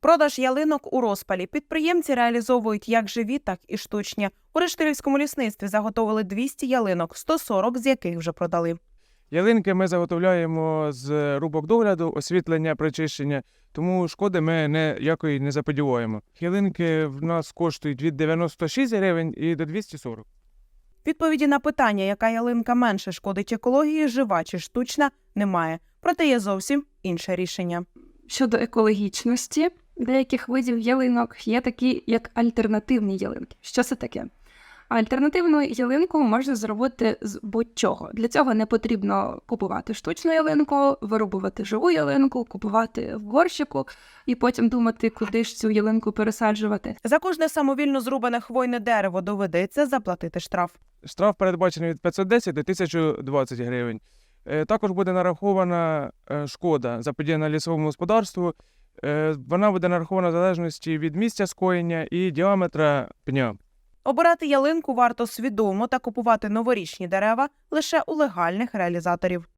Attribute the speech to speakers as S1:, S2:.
S1: Продаж ялинок у розпалі. Підприємці реалізовують як живі, так і штучні. У Рештилівському лісництві заготовили 200 ялинок, 140 з яких вже продали.
S2: Ялинки ми заготовляємо з рубок догляду, освітлення, причищення, тому шкоди ми ніякої не заподіваємо. Ялинки в нас коштують від 96 гривень і до 240.
S1: Відповіді на питання, яка ялинка менше шкодить екології, жива чи штучна, немає. Проте є зовсім інше рішення.
S3: Щодо екологічності деяких видів ялинок, є такі, як альтернативні ялинки. Що це таке? Альтернативну ялинку можна зробити з будь-чого. Для цього не потрібно купувати штучну ялинку, вирубувати живу ялинку, купувати в горщику і потім думати, куди ж цю ялинку пересаджувати.
S1: За кожне самовільно зрубане хвойне дерево доведеться заплатити штраф.
S2: Штраф передбачений від 510 до 1020 гривень. Також буде нарахована шкода, заподіяна лісовому господарству. Вона буде нарахована в залежності від місця скоєння і діаметра пня.
S1: Обирати ялинку варто свідомо та купувати новорічні дерева лише у легальних реалізаторів.